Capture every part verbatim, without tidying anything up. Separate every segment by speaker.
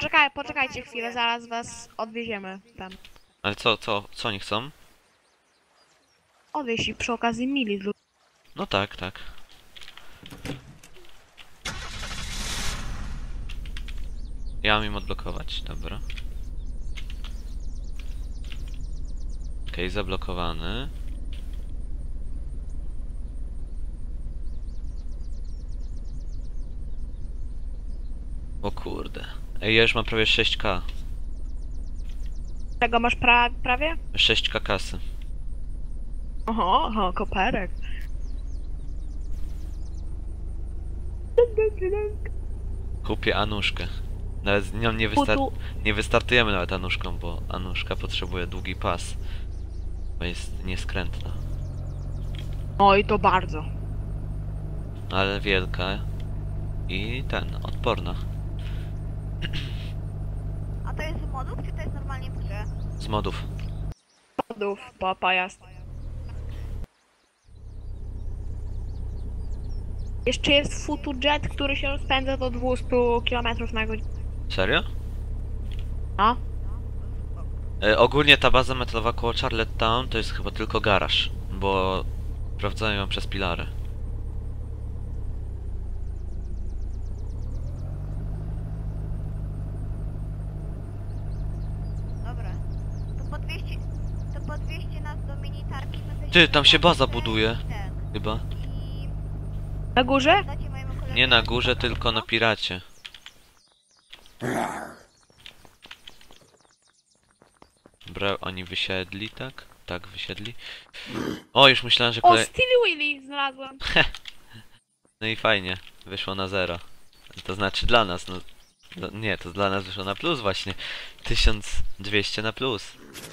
Speaker 1: Poczekaj, poczekajcie chwilę, zaraz was odwieziemy tam.
Speaker 2: Ale co, co, co oni chcą?
Speaker 1: Odwieźć ich przy okazji mili.
Speaker 2: No tak, tak. Ja mam im odblokować, dobra. Okej, okay, zablokowany. O kurde. Ej, ja już mam prawie sześć ka.
Speaker 1: Czego masz pra prawie?
Speaker 2: sześć ka kasy.
Speaker 1: Oho, oho, koperek.
Speaker 2: Kupię Anuszkę. Nawet z nią nie, wystar nie wystartujemy nawet Anuszką, bo Anuszka potrzebuje długi pas. Bo jest nieskrętna.
Speaker 1: Oj, to bardzo.
Speaker 2: Ale wielka. I ten, odporna.
Speaker 3: A to jest z modów, czy to jest normalnie w grze?
Speaker 2: Z modów.
Speaker 1: Modów, po pojazd. Jeszcze jest Futujet, który się rozpędza do dwieście kilometrów na godzinę.
Speaker 2: Serio?
Speaker 1: No.
Speaker 2: E, ogólnie ta baza metalowa koło Charlottetown to jest chyba tylko garaż, bo sprawdzają ją przez pilary.
Speaker 3: Dobra. To po dwieście... To po dwieście nas do minitarki będę
Speaker 2: Ty, tam się baza
Speaker 3: ten-
Speaker 2: buduje.
Speaker 3: ten.
Speaker 2: Chyba.
Speaker 3: I...
Speaker 1: Na górze?
Speaker 3: dacie mojemu kolegowi-
Speaker 2: Nie na górze, tylko na piracie. Dobra, oni wysiedli, tak? Tak, wysiedli. O, już myślałem, że
Speaker 1: O,
Speaker 2: kolej...
Speaker 1: Stevie Willy znalazłem.
Speaker 2: No i fajnie, wyszło na zero. To znaczy dla nas, no... no nie, to dla nas wyszło na plus właśnie. tysiąc dwieście na plus.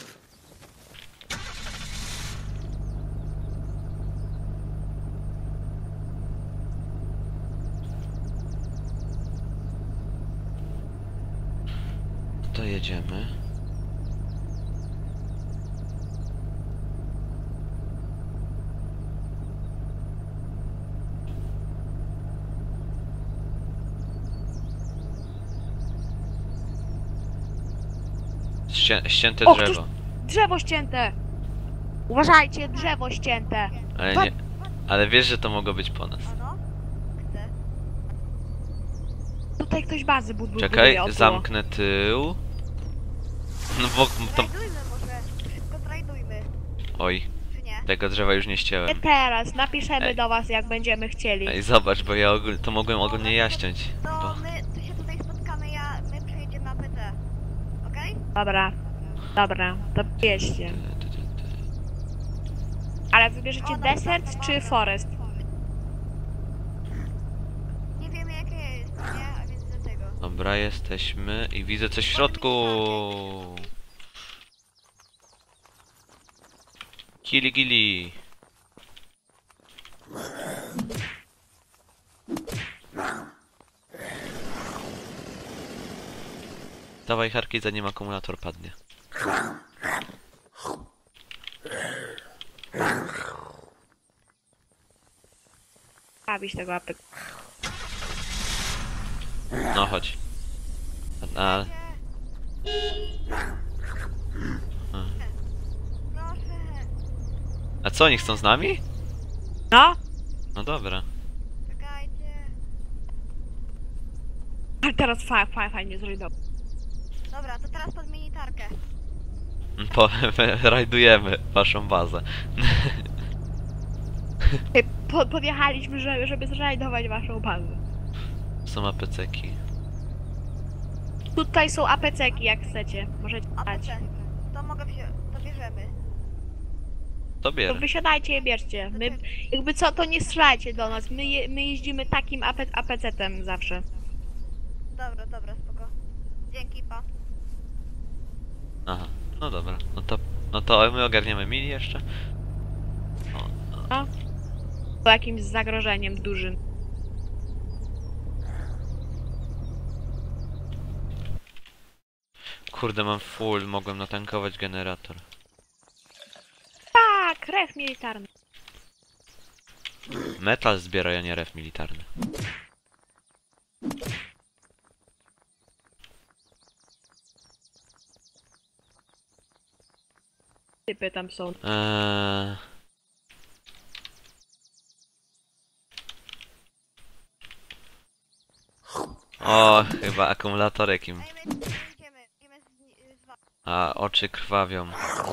Speaker 2: To jedziemy. Ście ścięte
Speaker 1: O,
Speaker 2: drzewo.
Speaker 1: ktoś- Drzewo ścięte. Uważajcie, drzewo ścięte.
Speaker 2: Ale nie... Ale wiesz, że to mogło być po nas.
Speaker 3: O no? Chcę.
Speaker 1: Tutaj ktoś bazy bud buduje.
Speaker 2: Czekaj,
Speaker 1: około.
Speaker 2: zamknę tył. No bo to...
Speaker 3: Trajdujmy może. Szybko trajdujmy.
Speaker 2: Oj,
Speaker 3: Czy nie?
Speaker 2: tego drzewa już nie
Speaker 1: Nie
Speaker 2: ścięłem.
Speaker 1: teraz, napiszemy
Speaker 2: Ej.
Speaker 1: do was jak będziemy chcieli.
Speaker 2: Ej, zobacz, bo ja ogól... to mogłem ogólnie ja ściąć.
Speaker 3: To
Speaker 2: Bo...
Speaker 3: my tu się tutaj spotkamy, ja... my przejedziemy na P C. Okej?
Speaker 1: Dobra, dobra, to wieźcie. Ale wybierzecie desert czy forest?
Speaker 3: Nie wiemy jakie jest, nie? A więc dlatego.
Speaker 2: Dobra, jesteśmy i widzę coś w środku. Kili gili. Dawaj Harki, zanim akumulator padnie.
Speaker 1: Bawić tego apek.
Speaker 2: No chodź. A, a,
Speaker 3: Proszę.
Speaker 2: a co, oni chcą z nami?
Speaker 1: No,
Speaker 2: No dobra.
Speaker 3: Czekajcie.
Speaker 1: ale teraz fa fa fajnie zrobił.
Speaker 3: Dobra, to teraz pod minitarkę.
Speaker 2: Po, rajdujemy waszą bazę.
Speaker 1: Po podjechaliśmy, żeby, żeby zrajdować waszą bazę.
Speaker 2: Są apeceki.
Speaker 1: Tutaj są apeceki, jak chcecie. Możecie
Speaker 3: A
Speaker 1: dać.
Speaker 3: P C. To mogę wziąć, to bierzemy.
Speaker 2: To
Speaker 1: To
Speaker 2: bierę.
Speaker 1: wysiadajcie je bierzcie. My, jakby co, to nie strzelajcie do nas. My, je, my jeździmy takim ape apecetem zawsze.
Speaker 3: Dobra, dobra, spoko. Dzięki, pa.
Speaker 2: Aha, no dobra. No to, no to my ogarniemy mili jeszcze. O,
Speaker 1: No. Po jakimś zagrożeniem dużym.
Speaker 2: kurde, mam full, mogłem natankować generator.
Speaker 1: Tak, ref militarny.
Speaker 2: Metal zbiera, a nie ref militarny.
Speaker 1: typy tam są.
Speaker 2: Eee... O, chyba akumulatorek im.
Speaker 3: Ej, my tu idziemy, idziemy z, z wami.
Speaker 2: A oczy krwawią.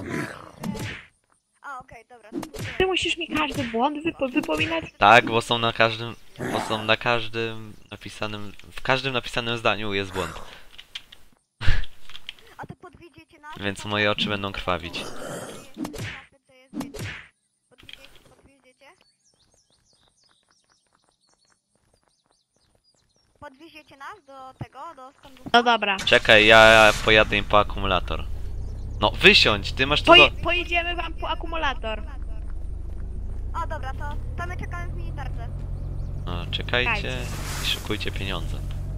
Speaker 3: A, okej, dobra. to pójdziemy.
Speaker 1: Ty musisz mi każdy błąd wypo wypominać?
Speaker 2: Tak, bo są na każdym. Bo są na każdym napisanym. W każdym napisanym zdaniu jest błąd.
Speaker 3: A to podwiedziecie nas?
Speaker 2: Więc moje oczy będą krwawić.
Speaker 3: Podwiedziecie? Podwieziecie? Podwieziecie nas do tego, do skądu?
Speaker 1: No dobra.
Speaker 2: Czekaj, ja pojadę im po akumulator. No wysiądź, ty masz tu
Speaker 1: Poje
Speaker 2: do...
Speaker 1: pojedziemy wam po akumulator.
Speaker 3: O, dobra, to, to my czekamy w militarce.
Speaker 2: No, czekajcie i szykujcie pieniądze.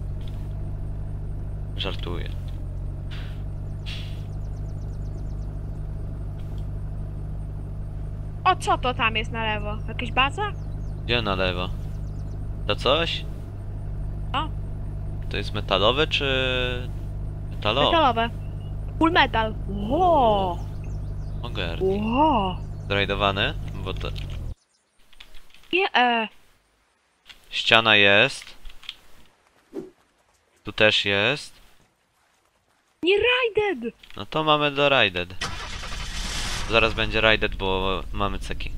Speaker 2: Żartuję.
Speaker 1: O, co to tam jest na lewo? Jakaś baza?
Speaker 2: Gdzie na lewo? To coś?
Speaker 1: O.
Speaker 2: To jest metalowe czy... Metalowe?
Speaker 1: Metalowe. Full metal. Ło!
Speaker 2: Ogar.
Speaker 1: Ło!
Speaker 2: Zrajdowane? Bo to...
Speaker 1: Nie, e.
Speaker 2: Ściana jest. Tu też jest.
Speaker 1: Nie raided!
Speaker 2: No to mamy do Raided. Zaraz będzie Raided, bo mamy ceki.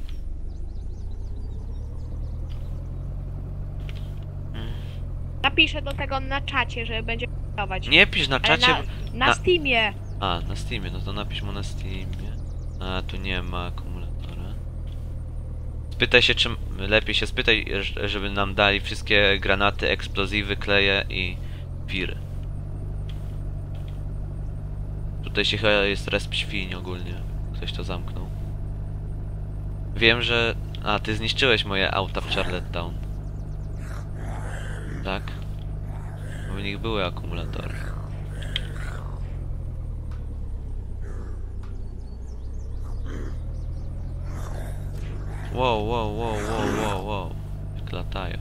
Speaker 1: Napiszę do tego na czacie, że będzie pracować.
Speaker 2: Nie pisz na
Speaker 1: Ale
Speaker 2: czacie.
Speaker 1: Na, na
Speaker 2: na-
Speaker 1: Steamie.
Speaker 2: A, na Steamie, no to napisz mu na Steamie. A, tu nie ma akumulatora. Spytaj się, czym... Lepiej się spytaj, ż- żeby nam dali wszystkie granaty, eksplozywy, kleje i wiry. Tutaj się chyba jest resp świń ogólnie. Ktoś to zamknął. Wiem, że... A, ty zniszczyłeś moje auta w Charlottetown. Tak? Bo w nich były akumulatory. Wow, wow, wow, wow, wow, wow. Jak latają.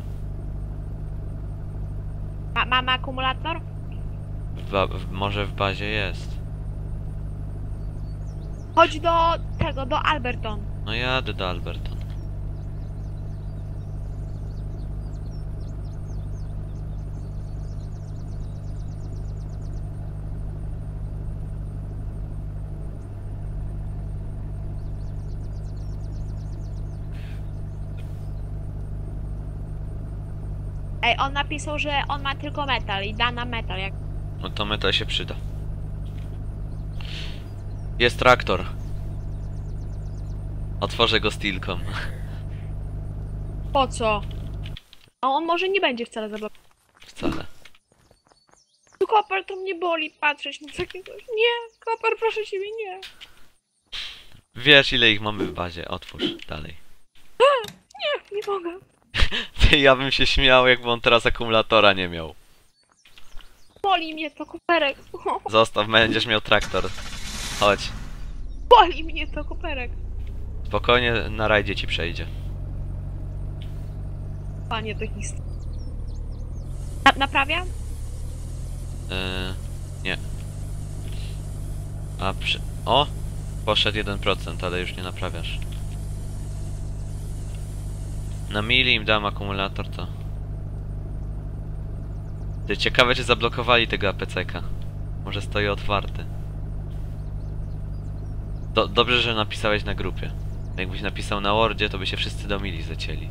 Speaker 1: Ma, mamy akumulator?
Speaker 2: W ba- w, może w bazie jest.
Speaker 1: Chodź do tego, do Alberton.
Speaker 2: No jadę do Alberton.
Speaker 1: Ej, on napisał, że on ma tylko metal i da nam metal. Jak...
Speaker 2: No to metal się przyda. Jest traktor. Otworzę go steelką.
Speaker 1: Po co? A on może nie będzie wcale zablokowany.
Speaker 2: Wcale.
Speaker 1: Tu Koper, to mnie boli patrzeć na takie coś. Nie, Koper, proszę ciebie, nie.
Speaker 2: Wiesz ile ich mamy w bazie. Otwórz dalej.
Speaker 1: Nie, nie mogę.
Speaker 2: Ty, ja bym się śmiał, jakby on teraz akumulatora nie miał.
Speaker 1: Boli mnie to, Koperek.
Speaker 2: Zostaw, będziesz miał traktor. Chodź.
Speaker 1: Boli mnie to, Koperek.
Speaker 2: Spokojnie, na rajdzie ci przejdzie.
Speaker 1: Panie, to historia. Na naprawiam?
Speaker 2: Yy, nie. A przy... O! Poszedł jeden procent, ale już nie naprawiasz. Na mili im dam akumulator, to... Ty, ciekawe czy zablokowali tego A P C ka. Może stoi otwarty. Do, dobrze, że napisałeś na grupie. Jakbyś napisał na Wordzie, to by się wszyscy do mili zacięli.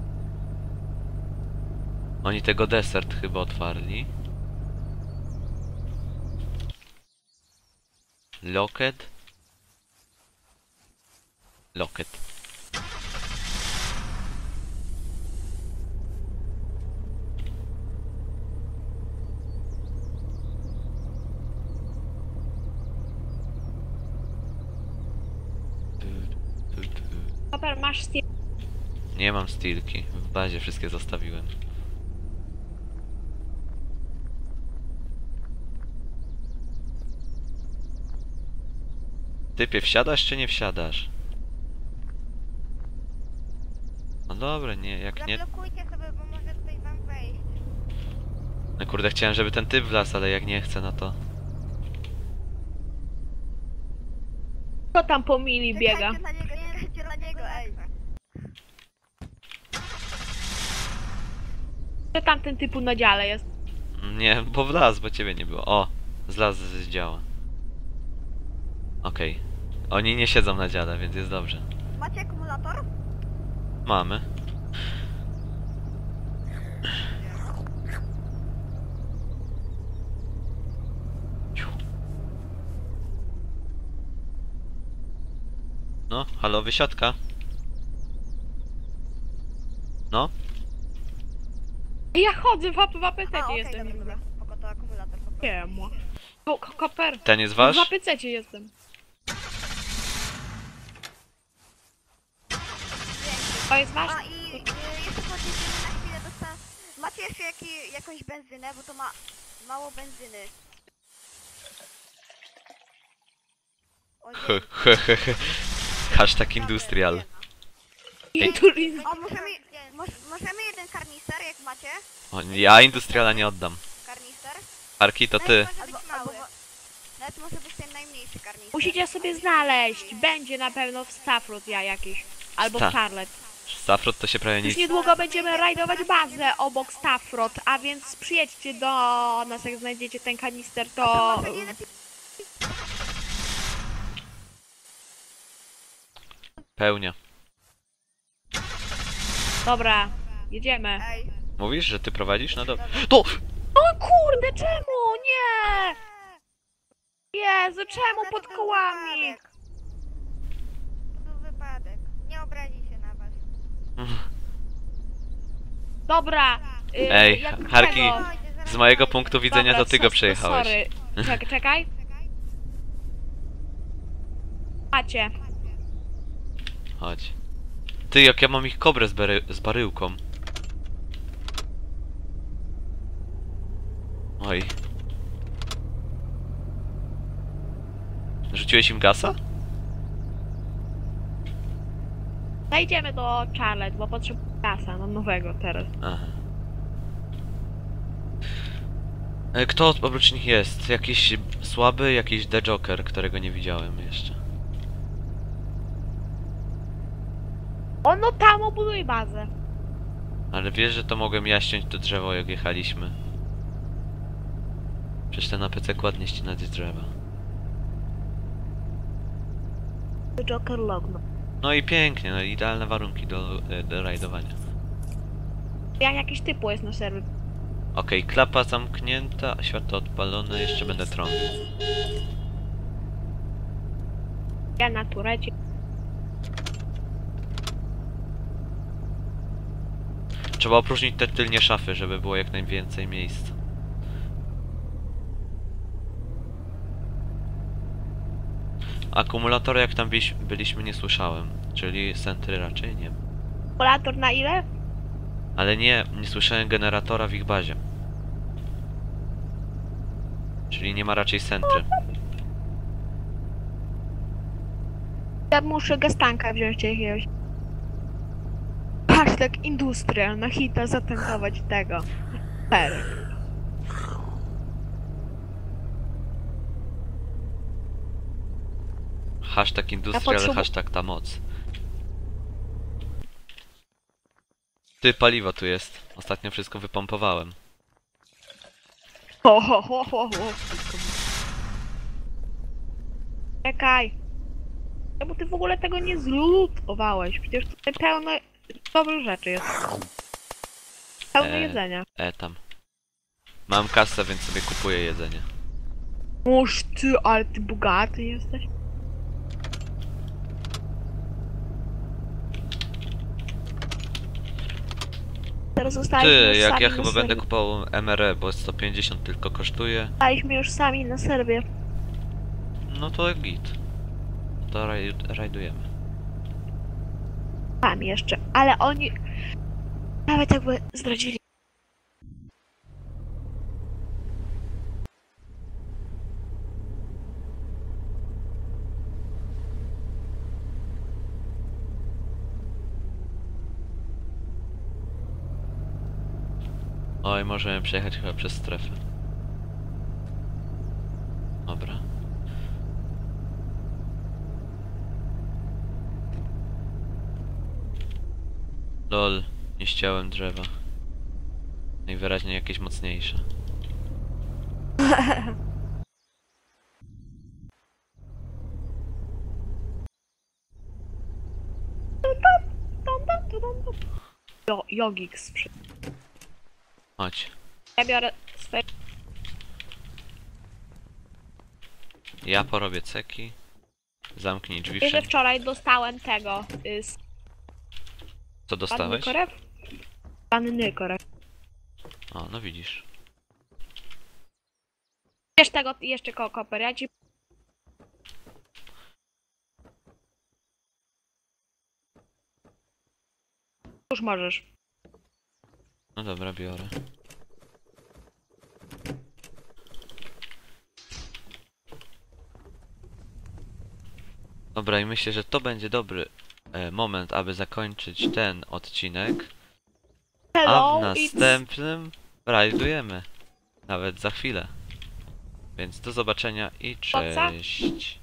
Speaker 2: Oni tego desert chyba otwarli. Locket. Locket.
Speaker 1: Koper, masz Steam.
Speaker 2: Nie mam steelki. W bazie wszystkie zostawiłem. Typie, wsiadasz czy nie wsiadasz? No dobra, nie, jak nie...
Speaker 3: Zablokujcie sobie, bo może ktoś wam wejść.
Speaker 2: No kurde, chciałem, żeby ten typ wlazł, ale jak nie chce, no to...
Speaker 1: Kto tam po mili biega?
Speaker 3: Czekajcie na niego, nie czekajcie na niego, ej.
Speaker 1: Kto tam ten typu na dziale jest?
Speaker 2: Nie, bo wlazł, bo ciebie nie było. O, zlazł z działa. Okej. Oni nie siedzą na dziale, więc jest dobrze.
Speaker 3: Macie akumulator?
Speaker 2: Mamy. No, halo, wysiadka. No,
Speaker 1: Ja chodzę w, ap- w
Speaker 3: A,
Speaker 1: apececie
Speaker 3: okej,
Speaker 1: jestem.
Speaker 3: dobra, dobra. Spoko, to akumulator po prostu.
Speaker 1: Nie, mo. Ko- ko- Koper.
Speaker 2: ten jest wasz?
Speaker 1: W apececie jestem. To jest wasz?
Speaker 3: A i y, jeszcze podjedziemy na chwilę do sta... Macie jeszcze jaki, jakąś benzynę, bo to ma mało benzyny. Ojej,
Speaker 2: He, he, he, he. Hashtag industrial.
Speaker 1: Turizm.
Speaker 3: o, możemy, moż, możemy jeden karnister, jak macie?
Speaker 2: O, ja industriala nie oddam.
Speaker 3: Karnister?
Speaker 2: Arki, to ty.
Speaker 3: Albo, albo, nawet może być ten najmniejszy karnister.
Speaker 1: Musicie sobie znaleźć. Będzie na pewno w Stafford ja jakiś. Albo
Speaker 2: Sta-
Speaker 1: w Charlotte.
Speaker 2: Safrod to się prawie
Speaker 1: Już
Speaker 2: nic...
Speaker 1: niedługo będziemy rajdować bazę obok Stafford, a więc przyjedźcie do nas, jak znajdziecie ten kanister, to...
Speaker 3: To może nie lepiej...
Speaker 2: Pełnia.
Speaker 1: Dobra, jedziemy.
Speaker 3: Ej,
Speaker 2: Mówisz, że ty prowadzisz? No dobra. To!
Speaker 1: O kurde, czemu? Nie! Jezu, czemu
Speaker 3: to
Speaker 1: pod
Speaker 3: był
Speaker 1: kołami?
Speaker 3: wypadek. To był wypadek. Nie obrazi się na was.
Speaker 1: Dobra. y,
Speaker 2: Ej,
Speaker 1: jak
Speaker 2: Harki,
Speaker 1: tego-
Speaker 3: Spokojnie, zaraz
Speaker 2: z mojego
Speaker 3: dojdzie.
Speaker 2: punktu widzenia
Speaker 1: Dobra,
Speaker 2: to ty
Speaker 1: so-
Speaker 2: go
Speaker 1: so-
Speaker 2: przejechałeś.
Speaker 1: Sorry. Czekaj, czekaj. Macie.
Speaker 2: Chodź. Ty, jak ja mam ich kobrę z, bary z baryłką. Oj. Rzuciłeś im gasa?
Speaker 1: Zajdziemy do Charlotte, bo potrzebuję kasa, no nowego teraz.
Speaker 2: Aha. E, Kto oprócz nich jest? Jakiś słaby, jakiś The Joker, którego nie widziałem jeszcze.
Speaker 1: O, no tam obuduj bazę.
Speaker 2: Ale wiesz, że to mogłem ja ściąć to drzewo, jak jechaliśmy. Przecież ten A P C ładnie ścinać drzewa.
Speaker 1: Joker logno.
Speaker 2: No i pięknie, no idealne warunki do, e, do rajdowania.
Speaker 1: Ja jakiś typu jest na serwie.
Speaker 2: Okej, klapa zamknięta, światło odpalone, jeszcze będę trąbił.
Speaker 1: Ja na turecie.
Speaker 2: Trzeba opróżnić te tylnie szafy, żeby było jak najwięcej miejsca. Akumulatory jak tam byliś- byliśmy nie słyszałem, czyli sentry raczej nie.
Speaker 1: Kalkulator na ile?
Speaker 2: Ale nie, nie słyszałem generatora w ich bazie. Czyli nie ma raczej sentry.
Speaker 1: Ja muszę gastanka wziąć jakiegoś. Hashtag industrial na hita zatankować tego. Perek.
Speaker 2: Hashtag industrial,
Speaker 1: potrzebu-
Speaker 2: hashtag ta moc. Ty, paliwo tu jest. Ostatnio wszystko wypompowałem.
Speaker 1: Ho, ho, ho, ho, ho. Czekaj. Czemu ty w ogóle tego nie zlutowałeś? Przecież tutaj pełno dobrych rzeczy jest. Pełno
Speaker 2: Eee.
Speaker 1: jedzenia.
Speaker 2: E, tam. Mam kasę, więc sobie kupuję jedzenie.
Speaker 1: Muż ty, ale ty bogaty jesteś. Teraz zostaliśmy
Speaker 2: Ty,
Speaker 1: już
Speaker 2: jak
Speaker 1: sami
Speaker 2: ja
Speaker 1: na
Speaker 2: chyba
Speaker 1: serwie.
Speaker 2: będę kupował M R E, bo sto pięćdziesiąt tylko kosztuje.
Speaker 1: Zostaliśmy już sami na serwie.
Speaker 2: No to git. To raj rajdujemy.
Speaker 1: Sami jeszcze, ale oni nawet jakby zdradzili.
Speaker 2: Oj, możemy przejechać chyba przez strefę. Dobra. Lol, nie ściąłem drzewa. Najwyraźniej jakieś mocniejsze.
Speaker 1: Jo, Jogik sprzy...
Speaker 2: Chodź.
Speaker 1: Ja biorę swoje...
Speaker 2: Ja porobię ceki. Zamknij drzwi
Speaker 1: Wiesz, że
Speaker 2: wszędzie.
Speaker 1: wczoraj dostałem tego... Y, z
Speaker 2: Co
Speaker 1: panny
Speaker 2: dostałeś?
Speaker 1: korew? Panny korew.
Speaker 2: O, no widzisz.
Speaker 1: Wiesz tego jeszcze koło koper, ja ci... Już możesz.
Speaker 2: No dobra, biorę. Dobra, i myślę, że to będzie dobry e, moment, aby zakończyć ten odcinek. A
Speaker 1: Hello,
Speaker 2: w
Speaker 1: it's...
Speaker 2: następnym rajdujemy. Nawet za chwilę. Więc do zobaczenia i
Speaker 1: Co, co?
Speaker 2: cześć.